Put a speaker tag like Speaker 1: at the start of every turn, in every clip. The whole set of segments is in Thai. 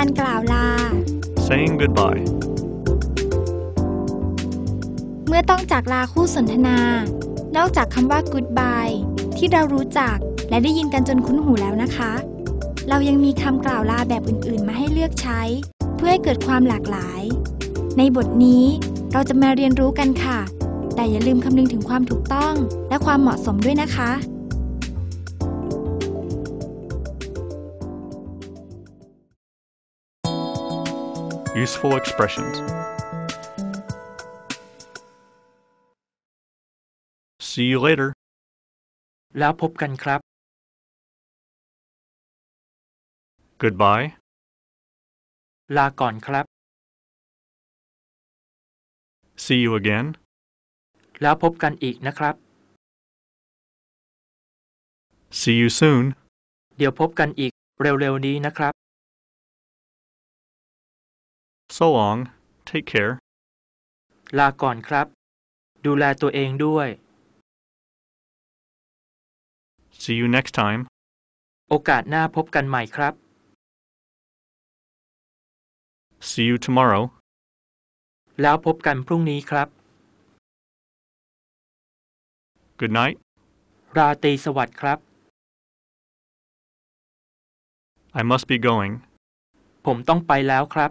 Speaker 1: การกล่าวลา
Speaker 2: saying goodbye
Speaker 1: เมื่อต้องจากลาคู่สนทนานอกจากคำว่า goodbye ที่เรารู้จักและได้ยินกันจนคุ้นหูแล้วนะคะเรายังมีคำกล่าวลาแบบอื่นๆมาให้เลือกใช้เพื่อให้เกิดความหลากหลายในบทนี้เราจะมาเรียนรู้กันค่ะแต่อย่าลืมคำนึงถึงความถูกต้องและความเหมาะสมด้วยนะคะ
Speaker 2: Useful expressions See you later
Speaker 3: แล้วพบกันครับ
Speaker 2: Goodbye
Speaker 3: ลาก่อนครับ
Speaker 2: See you again
Speaker 3: แล้วพบกันอีกนะครับ
Speaker 2: See you soon
Speaker 3: เดี๋ยวพบกันอีกเร็วๆนี้นะครับ
Speaker 2: So long Take care
Speaker 3: ลาก่อนครับดูแลตัวเองด้วย
Speaker 2: See you next time
Speaker 3: โอกาสหน้าพบกันใหม่ครับ
Speaker 2: See you tomorrow
Speaker 3: แล้วพบกันพรุ่งนี้ครับ
Speaker 2: Good night
Speaker 3: ราตรีสวัสดิ์ครับ
Speaker 2: I must be going
Speaker 3: ผมต้องไปแล้วครับ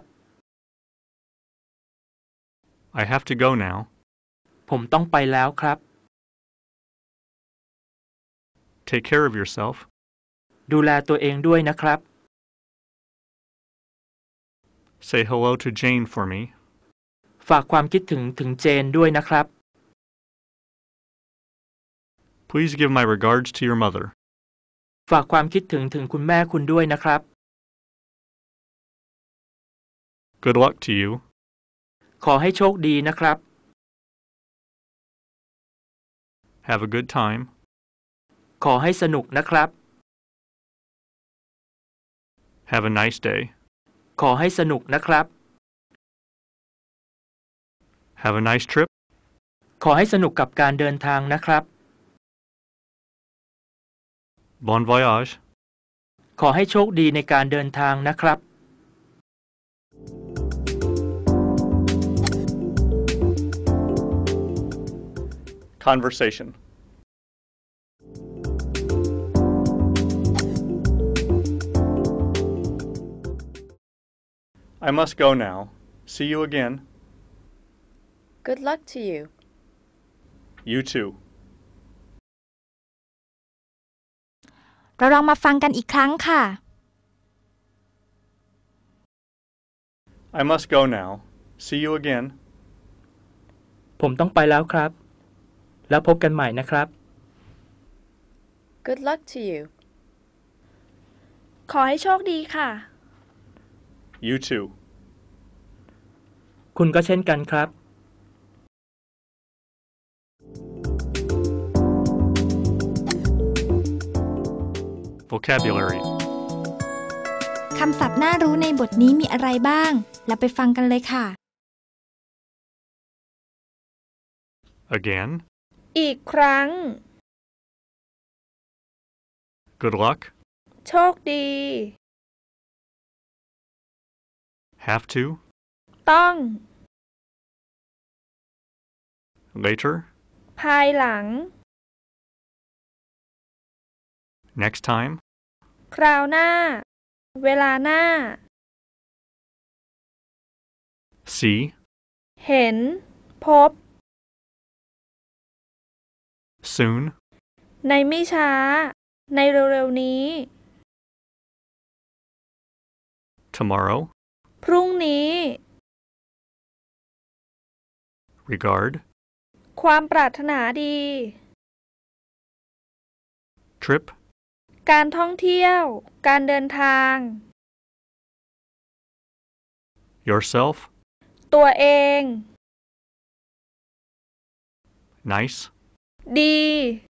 Speaker 2: I have to go now
Speaker 3: ผมต้องไปแล้วครับ
Speaker 2: Take care of yourself
Speaker 3: ดูแลตัวเองด้วยนะครับ
Speaker 2: Say hello to Jane for me
Speaker 3: ฝากความคิดถึงเจนด้วยนะครับ
Speaker 2: Please give my regards to your mother
Speaker 3: ฝากความคิดถึงคุณแม่คุณด้วยนะครับ
Speaker 2: Good luck to you
Speaker 3: ขอให้โชคดีนะครับ
Speaker 2: Have a good time
Speaker 3: ขอให้สนุกนะครับ
Speaker 2: Have a nice day
Speaker 3: ขอให้สนุกนะครับ
Speaker 2: Have a nice trip
Speaker 3: ขอให้สนุกกับการเดินทางนะครับ
Speaker 2: Bon voyage
Speaker 3: ขอให้โชคดีในการเดินทางนะครับ
Speaker 2: Conversation I must go now. See you again.
Speaker 4: Good luck to you.
Speaker 2: You too.
Speaker 1: เราลองมาฟังกันอีกครั้งค่ะ
Speaker 2: I must go now. See you again.
Speaker 3: ผมต้องไปแล้วครับ แล้วพบกันใหม่นะครับ
Speaker 4: Good luck to you.
Speaker 1: ขอให้โชคดีค่ะ
Speaker 2: You too.
Speaker 3: คุณก็เช่นกันครับ
Speaker 2: Vocabulary
Speaker 1: คำศัพท์น่ารู้ในบทนี้มีอะไรบ้าง เราไปฟังกันเลยค่ะ
Speaker 2: Again.
Speaker 4: อีกครั้ง
Speaker 2: Good luck.
Speaker 4: โชคดี
Speaker 2: Have to.
Speaker 4: ต้อง
Speaker 2: Later.
Speaker 4: ภายหลัง
Speaker 2: Next time.
Speaker 4: คราวหน้า เวลาหน้า
Speaker 2: See.
Speaker 4: เห็น พบ
Speaker 2: Soon.
Speaker 4: ในไม่ช้า ในเร็วๆนี้
Speaker 2: Tomorrow.
Speaker 4: พรุ่งนี้
Speaker 2: Regard.
Speaker 4: ความปรารถนาดี
Speaker 2: Trip.
Speaker 4: การท่องเที่ยว การเดินทาง
Speaker 2: Yourself.
Speaker 4: ตัวเอง
Speaker 2: Nice.
Speaker 4: ดี